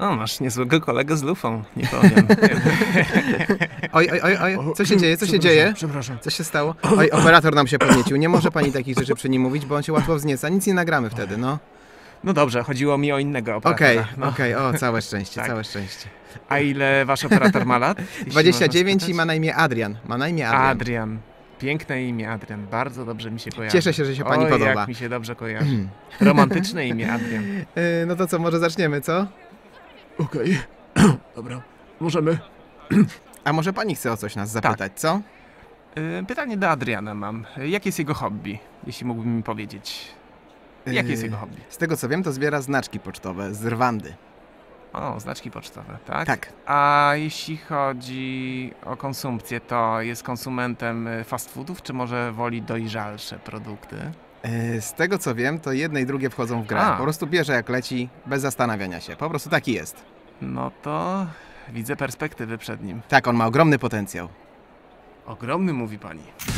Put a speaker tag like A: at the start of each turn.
A: O, masz niezłego kolegę z lufą, nie powiem.
B: Oj, co się dzieje, co się dzieje?
C: Przepraszam.
B: Co się stało? Oj, operator nam się podniecił, nie może pani takich rzeczy przy nim mówić, bo on się łatwo wznieca, nic nie nagramy wtedy, no.
A: No dobrze, chodziło mi o innego operatora.
B: Okej,
A: no.
B: o, całe szczęście,
A: Tak.
B: całe szczęście.
A: A ile wasz operator ma lat? jeśli
B: 29
A: można
B: i ma na imię Adrian,
A: Adrian. Piękne imię Adrian, bardzo dobrze mi się kojarzy.
B: Cieszę się, że się pani
A: Oj,
B: podoba.
A: jak mi się dobrze kojarzy. Romantyczne imię Adrian.
B: No to co, może zaczniemy, co?
C: Okej. Dobra, możemy.
B: A może pani chce o coś nas zapytać, co?
A: Pytanie do Adriana mam. Jakie jest jego hobby, jeśli mógłbym mi powiedzieć? Jakie jest jego hobby?
B: Z tego co wiem, to zbiera znaczki pocztowe z Rwandy.
A: O, znaczki pocztowe, tak?
B: Tak.
A: A jeśli chodzi o konsumpcję, to jest konsumentem fast foodów, czy może woli dojrzalsze produkty?
B: Z tego co wiem, to jedne i drugie wchodzą w grę.
A: A.
B: Po prostu bierze jak leci, bez zastanawiania się. Po prostu taki jest.
A: No to widzę perspektywy przed nim.
B: Tak, on ma ogromny potencjał.
A: Ogromny, mówi pani.